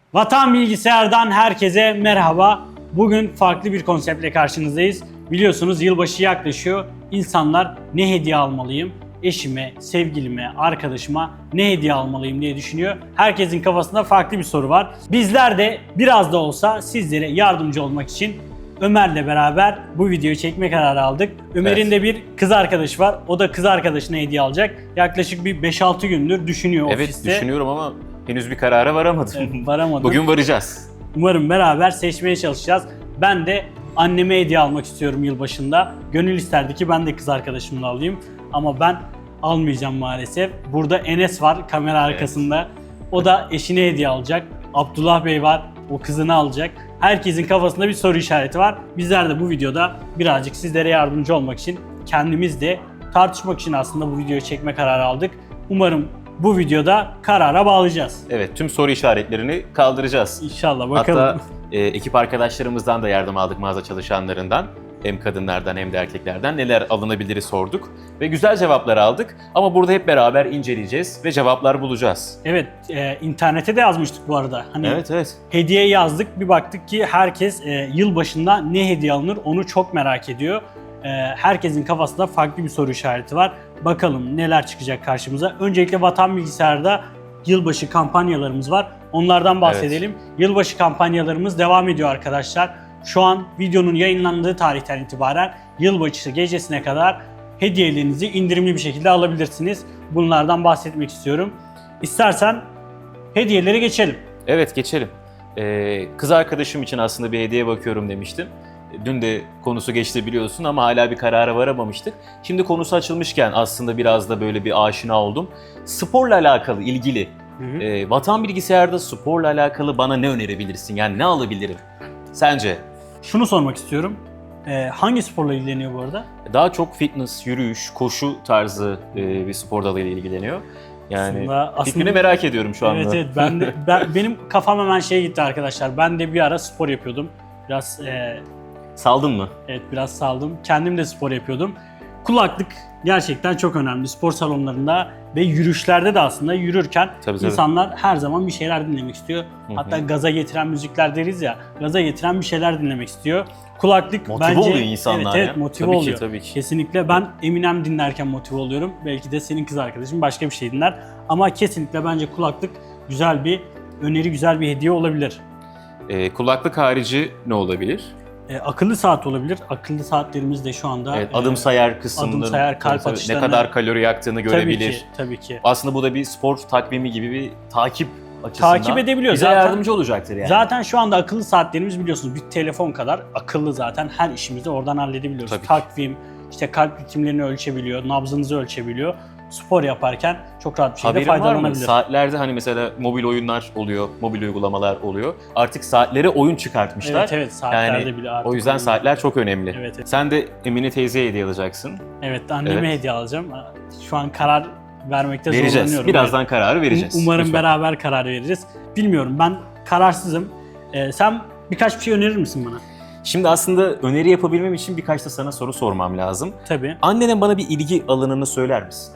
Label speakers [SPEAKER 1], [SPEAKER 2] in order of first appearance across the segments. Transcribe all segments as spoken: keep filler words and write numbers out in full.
[SPEAKER 1] Vatan Bilgisayar'dan herkese merhaba. Bugün farklı bir konseptle karşınızdayız. Biliyorsunuz yılbaşı yaklaşıyor. İnsanlar ne hediye almalıyım, eşime, sevgilime, arkadaşıma ne hediye almalıyım diye düşünüyor. Herkesin kafasında farklı bir soru var. Bizler de biraz da olsa sizlere yardımcı olmak için Ömer'le beraber bu videoyu çekme kararı aldık. Ömer'in
[SPEAKER 2] Evet.
[SPEAKER 1] de bir kız arkadaşı var. O da kız arkadaşına hediye alacak. Yaklaşık bir beş altı gündür düşünüyor
[SPEAKER 2] Evet
[SPEAKER 1] ofiste.
[SPEAKER 2] düşünüyorum ama henüz bir karara varamadım.
[SPEAKER 1] Evet, varamadım.
[SPEAKER 2] Bugün varacağız.
[SPEAKER 1] Umarım beraber seçmeye çalışacağız. Ben de anneme hediye almak istiyorum yılbaşında. Gönül isterdi ki ben de kız arkadaşımla alayım. Ama ben almayacağım maalesef. Burada Enes var kamera arkasında. O da eşine hediye alacak. Abdullah Bey var. O kızını alacak. Herkesin kafasında bir soru işareti var. Bizler de bu videoda birazcık sizlere yardımcı olmak için, kendimiz de tartışmak için aslında bu videoyu çekme kararı aldık. Umarım bu videoda karara bağlayacağız.
[SPEAKER 2] Evet, tüm soru işaretlerini kaldıracağız.
[SPEAKER 1] İnşallah bakalım.
[SPEAKER 2] Hatta e, ekip arkadaşlarımızdan da yardım aldık, mağaza çalışanlarından. Hem kadınlardan hem de erkeklerden neler alınabiliri sorduk ve güzel cevaplar aldık. Ama burada hep beraber inceleyeceğiz ve cevaplar bulacağız.
[SPEAKER 1] Evet, e, internete de yazmıştık bu arada. Hani
[SPEAKER 2] Evet, evet.
[SPEAKER 1] hediye yazdık, bir baktık ki herkes e, yılbaşında ne hediye alınır onu çok merak ediyor. E, herkesin kafasında farklı bir soru işareti var. Bakalım neler çıkacak karşımıza. Öncelikle Vatan Bilgisayar'da yılbaşı kampanyalarımız var. Onlardan bahsedelim. Yılbaşı kampanyalarımız devam ediyor arkadaşlar. Şu an videonun yayınlandığı tarihten itibaren yılbaşı gecesine kadar hediyelerinizi indirimli bir şekilde alabilirsiniz. Bunlardan bahsetmek istiyorum. İstersen hediyelere geçelim.
[SPEAKER 2] Evet, geçelim. Ee, kız arkadaşım için aslında bir hediye bakıyorum demiştim. Dün de konusu geçti biliyorsun ama hala bir karara varamamıştık. Şimdi konusu açılmışken aslında biraz da böyle bir aşina oldum. Sporla alakalı, ilgili.
[SPEAKER 1] Hı hı.
[SPEAKER 2] Ee, Vatan Bilgisayar'da sporla alakalı bana ne önerebilirsin? Yani ne alabilirim? Sence?
[SPEAKER 1] Şunu sormak istiyorum. Ee, hangi sporla ilgileniyor bu arada?
[SPEAKER 2] Daha çok fitness, yürüyüş, koşu tarzı e, bir spor dalıyla ilgileniyor. Yani
[SPEAKER 1] Aslında-
[SPEAKER 2] fikrini
[SPEAKER 1] aslında-
[SPEAKER 2] merak ediyorum şu anda.
[SPEAKER 1] Evet evet ben de ben, benim kafam hemen şeye gitti arkadaşlar. Ben de bir ara spor yapıyordum. Biraz e,
[SPEAKER 2] Saldın mı?
[SPEAKER 1] evet biraz saldım. Kendim de spor yapıyordum. Kulaklık gerçekten çok önemli spor salonlarında ve yürüyüşlerde de aslında yürürken
[SPEAKER 2] Tabii, tabii.
[SPEAKER 1] insanlar her zaman bir şeyler dinlemek istiyor.
[SPEAKER 2] Hı hı.
[SPEAKER 1] Hatta gaza getiren müzikler deriz ya, gaza getiren bir şeyler dinlemek istiyor. Kulaklık
[SPEAKER 2] Motive
[SPEAKER 1] bence
[SPEAKER 2] oluyor insanlar
[SPEAKER 1] evet,
[SPEAKER 2] ya.
[SPEAKER 1] evet motive
[SPEAKER 2] Tabii ki,
[SPEAKER 1] oluyor.
[SPEAKER 2] tabii ki.
[SPEAKER 1] Kesinlikle ben Eminem dinlerken motive oluyorum. Belki de senin kız arkadaşın başka bir şey dinler. Ama kesinlikle bence kulaklık güzel bir öneri, güzel bir hediye olabilir.
[SPEAKER 2] Ee, kulaklık harici ne olabilir?
[SPEAKER 1] E, akıllı saat olabilir. Akıllı saatlerimiz de şu anda
[SPEAKER 2] Evet,
[SPEAKER 1] e,
[SPEAKER 2] adım sayar kısmında
[SPEAKER 1] adım sayar, kalp
[SPEAKER 2] tabii, tabii, ne
[SPEAKER 1] atışlarını-
[SPEAKER 2] kadar kalori yaktığını görebilir.
[SPEAKER 1] Tabii ki, tabii ki.
[SPEAKER 2] Aslında bu da bir spor takvimi gibi bir takip açısından
[SPEAKER 1] Takip edebiliyor
[SPEAKER 2] bize
[SPEAKER 1] zaten.
[SPEAKER 2] yardımcı olacaktır yani.
[SPEAKER 1] Zaten şu anda akıllı saatlerimiz biliyorsunuz bir telefon kadar akıllı zaten, her işimizi oradan halledebiliyoruz.
[SPEAKER 2] Tabii ki.
[SPEAKER 1] Takvim, işte kalp ritimlerini ölçebiliyor, nabzınızı ölçebiliyor. Spor yaparken çok rahat bir şekilde
[SPEAKER 2] Haberin var mı?
[SPEAKER 1] faydalanabilir.
[SPEAKER 2] Saatlerde hani mesela mobil oyunlar oluyor, mobil uygulamalar oluyor. Artık saatlere oyun çıkartmışlar.
[SPEAKER 1] Evet evet saatlerde
[SPEAKER 2] Yani
[SPEAKER 1] bile artık.
[SPEAKER 2] O yüzden
[SPEAKER 1] oyun-
[SPEAKER 2] saatler çok önemli.
[SPEAKER 1] Evet, evet.
[SPEAKER 2] Sen de Emine teyzeye hediye alacaksın.
[SPEAKER 1] Evet anneme
[SPEAKER 2] Evet.
[SPEAKER 1] hediye alacağım. Şu an karar vermekte
[SPEAKER 2] Vereceğiz.
[SPEAKER 1] zorlanıyorum.
[SPEAKER 2] Birazdan kararı vereceğiz.
[SPEAKER 1] Um- Umarım
[SPEAKER 2] Lütfen.
[SPEAKER 1] beraber karar veririz. Bilmiyorum, ben kararsızım. Ee, sen birkaç bir şey önerir misin bana?
[SPEAKER 2] Şimdi aslında öneri yapabilmem için birkaç da sana soru sormam lazım.
[SPEAKER 1] Tabii.
[SPEAKER 2] Annenin bana bir ilgi alanını söyler misin?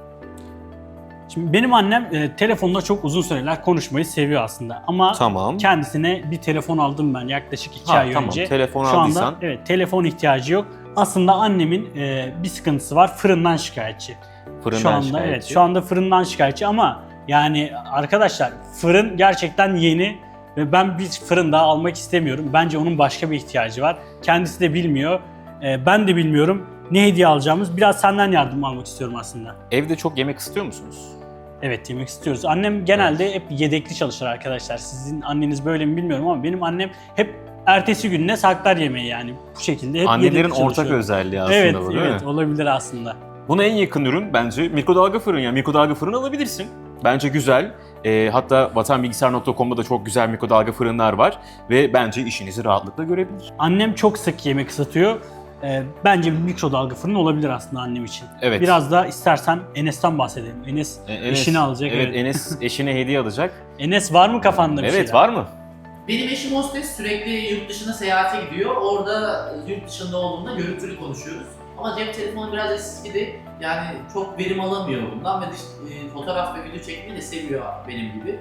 [SPEAKER 1] Şimdi benim annem e, telefonda çok uzun süreler konuşmayı seviyor aslında. Ama
[SPEAKER 2] Tamam.
[SPEAKER 1] kendisine bir telefon aldım ben yaklaşık iki
[SPEAKER 2] Ha,
[SPEAKER 1] ay
[SPEAKER 2] tamam.
[SPEAKER 1] önce.
[SPEAKER 2] Telefon
[SPEAKER 1] Şu
[SPEAKER 2] aldıysan.
[SPEAKER 1] anda evet telefon ihtiyacı yok. Aslında annemin e, bir sıkıntısı var. Fırından şikayetçi.
[SPEAKER 2] Fırından
[SPEAKER 1] şu anda
[SPEAKER 2] şikayetçi.
[SPEAKER 1] evet şu anda fırından şikayetçi ama yani arkadaşlar fırın gerçekten yeni ve ben bir fırın daha almak istemiyorum. Bence onun başka bir ihtiyacı var. Kendisi de bilmiyor. E, ben de bilmiyorum ne hediye alacağımız. Biraz senden yardım almak istiyorum aslında.
[SPEAKER 2] Evde çok yemek istiyor musunuz?
[SPEAKER 1] Evet, yemek istiyoruz. Annem genelde hep yedekli çalışır arkadaşlar. Sizin anneniz böyle mi bilmiyorum ama benim annem hep ertesi gününe saklar yemeği, yani bu şekilde hep
[SPEAKER 2] Annelerin
[SPEAKER 1] yedekli
[SPEAKER 2] ortak
[SPEAKER 1] çalışıyor.
[SPEAKER 2] özelliği aslında
[SPEAKER 1] Evet,
[SPEAKER 2] bu değil
[SPEAKER 1] evet
[SPEAKER 2] mi?
[SPEAKER 1] olabilir aslında.
[SPEAKER 2] Buna en yakın ürün bence mikrodalga fırın. Yani mikrodalga fırın alabilirsin. Bence güzel. Ee, hatta vatanbilgisayar nokta com'da da çok güzel mikrodalga fırınlar var. Ve bence işinizi rahatlıkla görebilir.
[SPEAKER 1] Annem çok sık yemek ısıtıyor. Ee, bence bir mikrodalga fırın olabilir aslında annem için.
[SPEAKER 2] Evet.
[SPEAKER 1] Biraz da istersen Enes'ten bahsedelim. Enes,
[SPEAKER 2] E, Enes-
[SPEAKER 1] eşini alacak.
[SPEAKER 2] Evet,
[SPEAKER 1] Evet,
[SPEAKER 2] Enes eşine hediye alacak.
[SPEAKER 1] Enes var mı kafanda bir
[SPEAKER 2] Evet,
[SPEAKER 1] şeyler?
[SPEAKER 2] var mı?
[SPEAKER 3] Benim eşim hostes, sürekli yurt dışına seyahate gidiyor. Orada yurt dışında olduğunda görüntülü konuşuyoruz. Ama cep telefonu biraz eskidi. Yani çok verim alamıyor bundan ve dış, e, fotoğraf ve video çekmeyi de seviyor benim gibi.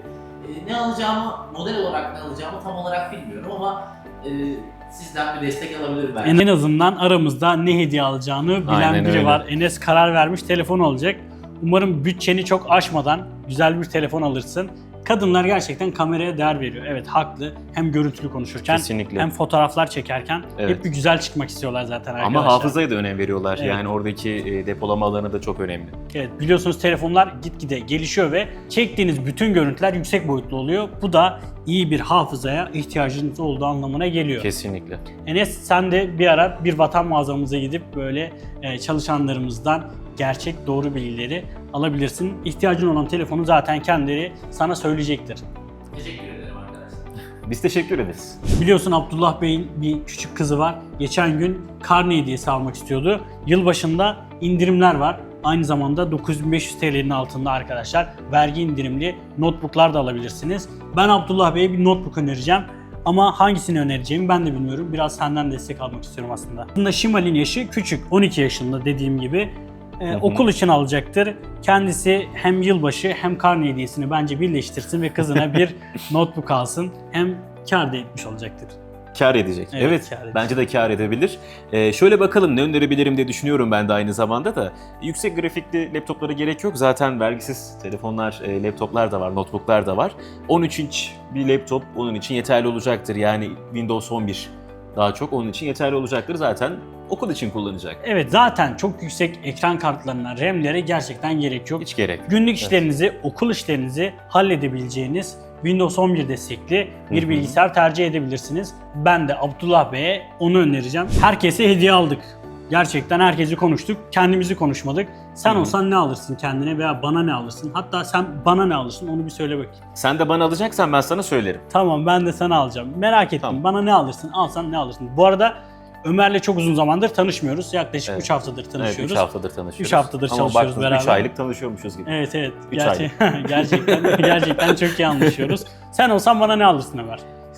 [SPEAKER 3] e, ne alacağımı, model olarak ne alacağımı tam olarak bilmiyorum ama e, sizden bir destek alabilirim belki.
[SPEAKER 1] En azından aramızda ne hediye alacağını bilen
[SPEAKER 2] Aynen
[SPEAKER 1] biri
[SPEAKER 2] öyle.
[SPEAKER 1] var. Enes karar vermiş, telefon olacak. Umarım bütçeni çok aşmadan güzel bir telefon alırsın. Kadınlar gerçekten kameraya değer veriyor. Evet, haklı. Hem görüntülü konuşurken
[SPEAKER 2] Kesinlikle.
[SPEAKER 1] hem fotoğraflar çekerken
[SPEAKER 2] Evet.
[SPEAKER 1] hep bir güzel çıkmak istiyorlar zaten arkadaşlar.
[SPEAKER 2] Ama hafızaya da önem veriyorlar.
[SPEAKER 1] Evet.
[SPEAKER 2] Yani oradaki e, depolama alanı da çok önemli.
[SPEAKER 1] Evet, biliyorsunuz telefonlar gitgide gelişiyor ve çektiğiniz bütün görüntüler yüksek boyutlu oluyor. Bu da iyi bir hafızaya ihtiyacınız olduğu anlamına geliyor.
[SPEAKER 2] Kesinlikle.
[SPEAKER 1] Enes, sen de bir ara bir vatan mağazamıza gidip böyle e, çalışanlarımızdan gerçek doğru bilgileri alabilirsin. İhtiyacın olan telefonu zaten kendileri sana söyleyecektir.
[SPEAKER 3] Teşekkür ederim arkadaşlar.
[SPEAKER 2] Biz teşekkür ederiz.
[SPEAKER 1] Biliyorsun Abdullah Bey'in bir küçük kızı var. Geçen gün karne hediyesi almak istiyordu. Yılbaşında indirimler var. Aynı zamanda dokuz bin beş yüz T L'nin altında arkadaşlar vergi indirimli notebooklar da alabilirsiniz. Ben Abdullah Bey'e bir notebook önereceğim. Ama hangisini önereceğimi ben de bilmiyorum. Biraz senden destek almak istiyorum aslında. Aslında Şimal'in yaşı küçük. on iki yaşında dediğim gibi. Ee,
[SPEAKER 2] Hı hı.
[SPEAKER 1] okul için alacaktır. Kendisi hem yılbaşı hem karne hediyesini bence birleştirsin ve kızına bir notebook alsın. Hem kâr da etmiş olacaktır.
[SPEAKER 2] Kâr edecek.
[SPEAKER 1] Evet,
[SPEAKER 2] Evet,
[SPEAKER 1] kâr edecek.
[SPEAKER 2] bence de kâr edebilir. Ee, şöyle bakalım ne önerebilirim diye düşünüyorum ben de aynı zamanda da. Yüksek grafikli laptoplara gerek yok. Zaten vergisiz telefonlar, e, laptoplar da var, notebooklar da var. on üç inç bir laptop onun için yeterli olacaktır. Yani Windows on bir daha çok onun için yeterli olacaktır. Zaten okul için kullanacak.
[SPEAKER 1] Evet, zaten çok yüksek ekran kartlarına, RAM'lere gerçekten gerek yok.
[SPEAKER 2] Hiç gerek yok.
[SPEAKER 1] Günlük işlerinizi, okul işlerinizi halledebileceğiniz Windows on bir destekli bir
[SPEAKER 2] Hı hı.
[SPEAKER 1] bilgisayar tercih edebilirsiniz. Ben de Abdullah Bey'e onu önereceğim. Herkese hediye aldık. Gerçekten herkesi konuştuk, kendimizi konuşmadık. Sen
[SPEAKER 2] Hı hı.
[SPEAKER 1] olsan ne alırsın kendine veya bana ne alırsın? Hatta sen bana ne alırsın onu bir söyle bakayım.
[SPEAKER 2] Sen de bana alacaksan ben sana söylerim.
[SPEAKER 1] Tamam, ben de sana alacağım. Merak ettim.
[SPEAKER 2] Tamam.
[SPEAKER 1] Bana ne alırsın? Alsan ne alırsın? Bu arada Ömer'le çok uzun zamandır tanışmıyoruz. Yaklaşık
[SPEAKER 2] Evet.
[SPEAKER 1] üç haftadır
[SPEAKER 2] Evet,
[SPEAKER 1] tanışıyoruz.
[SPEAKER 2] üç haftadır tanışıyoruz.
[SPEAKER 1] Üç haftadır
[SPEAKER 2] Ama
[SPEAKER 1] çalışıyoruz
[SPEAKER 2] baktınız,
[SPEAKER 1] beraber.
[SPEAKER 2] üç aylık tanışıyormuşuz gibi.
[SPEAKER 1] Evet evet.
[SPEAKER 2] Üç
[SPEAKER 1] Gerçek, gerçekten gerçekten çok iyi anlaşıyoruz. Sen olsan bana ne alırsın Ömer?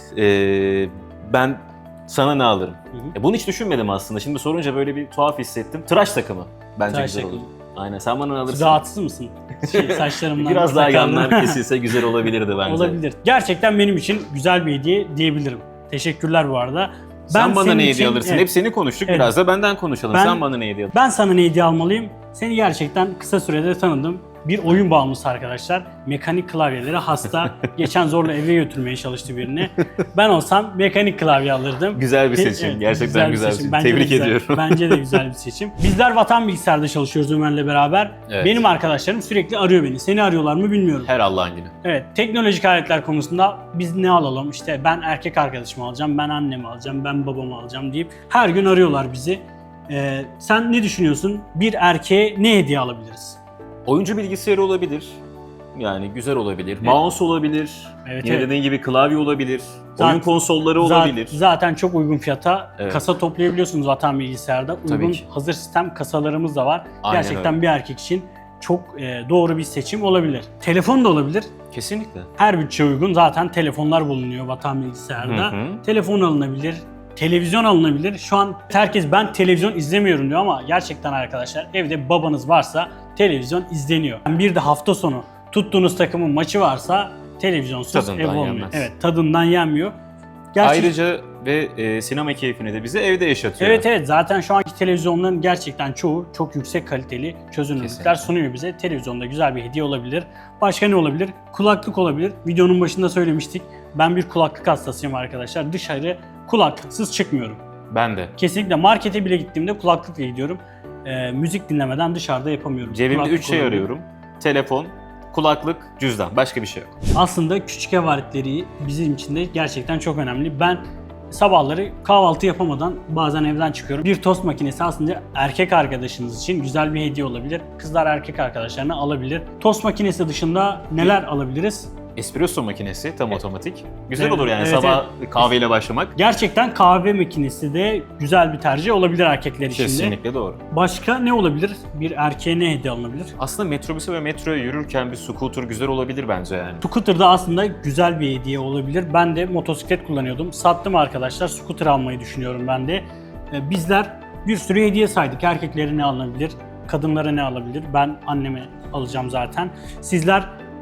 [SPEAKER 2] Ee, ben sana ne alırım?
[SPEAKER 1] Hı hı.
[SPEAKER 2] E, bunu hiç düşünmedim aslında. Şimdi sorunca böyle bir tuhaf hissettim. Tıraş takımı bence
[SPEAKER 1] Tıraş
[SPEAKER 2] güzel
[SPEAKER 1] takımı.
[SPEAKER 2] olur. Aynen, sen bana ne alırsın?
[SPEAKER 1] Rahatsız mısın? Şey, saçlarımdan
[SPEAKER 2] Biraz daha
[SPEAKER 1] sakallarımdan-
[SPEAKER 2] yanlar kesilse güzel olabilirdi bence.
[SPEAKER 1] Olabilir. Gerçekten benim için güzel bir hediye diyebilirim. Teşekkürler bu arada.
[SPEAKER 2] Sen bana
[SPEAKER 1] senin
[SPEAKER 2] ne hediye
[SPEAKER 1] için-
[SPEAKER 2] alırsın?
[SPEAKER 1] evet,
[SPEAKER 2] Hep seni konuştuk.
[SPEAKER 1] Evet.
[SPEAKER 2] Biraz da benden konuşalım.
[SPEAKER 1] Ben-
[SPEAKER 2] Sen bana ne hediye alırsın?
[SPEAKER 1] Ben sana ne hediye almalıyım? Seni gerçekten kısa sürede tanıdım. Bir oyun bağımlısı arkadaşlar. Mekanik klavyelere hasta. Geçen zorla eve götürmeye çalıştı birini. Ben olsam mekanik klavye alırdım.
[SPEAKER 2] Güzel bir
[SPEAKER 1] Evet,
[SPEAKER 2] seçim. Gerçekten güzel bir seçim.
[SPEAKER 1] Bence de
[SPEAKER 2] Tebrik
[SPEAKER 1] güzel.
[SPEAKER 2] ediyorum.
[SPEAKER 1] Bence de güzel bir seçim. Bizler Vatan Bilgisayar'da çalışıyoruz Ömer'le beraber.
[SPEAKER 2] Evet.
[SPEAKER 1] Benim arkadaşlarım sürekli arıyor beni. Seni arıyorlar mı bilmiyorum.
[SPEAKER 2] Her Allah'ın günü.
[SPEAKER 1] Evet, teknolojik aletler konusunda biz ne alalım? İşte ben erkek arkadaşımı alacağım, ben annemi alacağım, ben babamı alacağım deyip her gün arıyorlar bizi. Ee, sen ne düşünüyorsun? Bir erkeğe ne hediye alabiliriz?
[SPEAKER 2] Oyuncu bilgisayarı olabilir. Yani güzel olabilir. Mouse olabilir.
[SPEAKER 1] Evet,
[SPEAKER 2] Yine
[SPEAKER 1] evet.
[SPEAKER 2] dediğin gibi klavye olabilir.
[SPEAKER 1] Zaten-
[SPEAKER 2] Oyun konsolları
[SPEAKER 1] Za-
[SPEAKER 2] olabilir.
[SPEAKER 1] Zaten çok uygun fiyata
[SPEAKER 2] Evet.
[SPEAKER 1] kasa toplayabiliyorsunuz Vatan Bilgisayar'da.
[SPEAKER 2] Tabii
[SPEAKER 1] Uygun
[SPEAKER 2] ki.
[SPEAKER 1] hazır sistem kasalarımız da var.
[SPEAKER 2] Aynen
[SPEAKER 1] Gerçekten
[SPEAKER 2] öyle.
[SPEAKER 1] bir erkek için çok e, doğru bir seçim olabilir. Telefon da olabilir.
[SPEAKER 2] Kesinlikle.
[SPEAKER 1] Her bütçe uygun zaten telefonlar bulunuyor Vatan Bilgisayar'da.
[SPEAKER 2] Hı hı.
[SPEAKER 1] Telefon alınabilir, televizyon alınabilir. Şu an herkes ben televizyon izlemiyorum diyor ama gerçekten arkadaşlar evde babanız varsa televizyon izleniyor. Bir de hafta sonu tuttuğunuz takımın maçı varsa televizyonsuz
[SPEAKER 2] Tadından
[SPEAKER 1] ev olmuyor.
[SPEAKER 2] yenmez.
[SPEAKER 1] Evet, tadından yenmiyor. Gerçi-
[SPEAKER 2] Ayrıca ve e, sinema keyfini de bize evde yaşatıyor.
[SPEAKER 1] Evet evet, zaten şu anki televizyonların gerçekten çoğu çok yüksek kaliteli çözünürlükler
[SPEAKER 2] Kesinlikle.
[SPEAKER 1] sunuyor bize. Televizyonda güzel bir hediye olabilir. Başka ne olabilir? Kulaklık olabilir. Videonun başında söylemiştik. Ben bir kulaklık hastasıyım arkadaşlar. Dışarı kulaklıksız çıkmıyorum.
[SPEAKER 2] Ben de.
[SPEAKER 1] Kesinlikle markete bile gittiğimde kulaklıkla gidiyorum. Ee, müzik dinlemeden dışarıda yapamıyorum.
[SPEAKER 2] Cebimde
[SPEAKER 1] Kulaklık
[SPEAKER 2] üç şey
[SPEAKER 1] olabilir.
[SPEAKER 2] arıyorum. Telefon, kulaklık, cüzdan. Başka bir şey yok.
[SPEAKER 1] Aslında küçük ev aletleri bizim için de gerçekten çok önemli. Ben sabahları kahvaltı yapamadan bazen evden çıkıyorum. Bir tost makinesi aslında erkek arkadaşınız için güzel bir hediye olabilir. Kızlar erkek arkadaşlarına alabilir. Tost makinesi dışında neler alabiliriz?
[SPEAKER 2] Espresso makinesi tam otomatik. Güzel
[SPEAKER 1] Evet,
[SPEAKER 2] olur yani
[SPEAKER 1] evet,
[SPEAKER 2] sabah kahveyle başlamak.
[SPEAKER 1] Gerçekten kahve makinesi de güzel bir tercih olabilir erkekler için de.
[SPEAKER 2] Kesinlikle doğru.
[SPEAKER 1] Başka ne olabilir? Bir erkeğe ne hediye alınabilir?
[SPEAKER 2] Aslında metrobüse ve metroya yürürken bir scooter güzel olabilir bence yani.
[SPEAKER 1] Scooter'da aslında güzel bir hediye olabilir. Ben de motosiklet kullanıyordum. Sattım arkadaşlar. Scooter almayı düşünüyorum ben de. Ee, Bizler bir sürü hediye saydık. Erkeklere ne alınabilir? Kadınlara ne alabilir? Ben anneme alacağım zaten. Sizler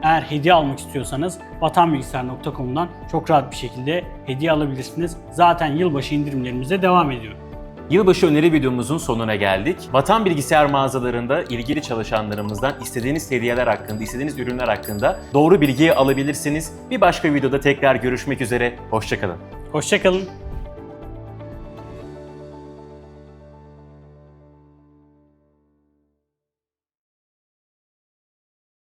[SPEAKER 1] Eğer hediye almak istiyorsanız vatanbilgisayar nokta com'dan çok rahat bir şekilde hediye alabilirsiniz. Zaten yılbaşı indirimlerimiz de devam ediyor.
[SPEAKER 2] Yılbaşı öneri videomuzun sonuna geldik. Vatan Bilgisayar mağazalarında ilgili çalışanlarımızdan istediğiniz hediyeler hakkında, istediğiniz ürünler hakkında doğru bilgiyi alabilirsiniz. Bir başka videoda tekrar görüşmek üzere. Hoşça kalın.
[SPEAKER 1] Hoşça kalın.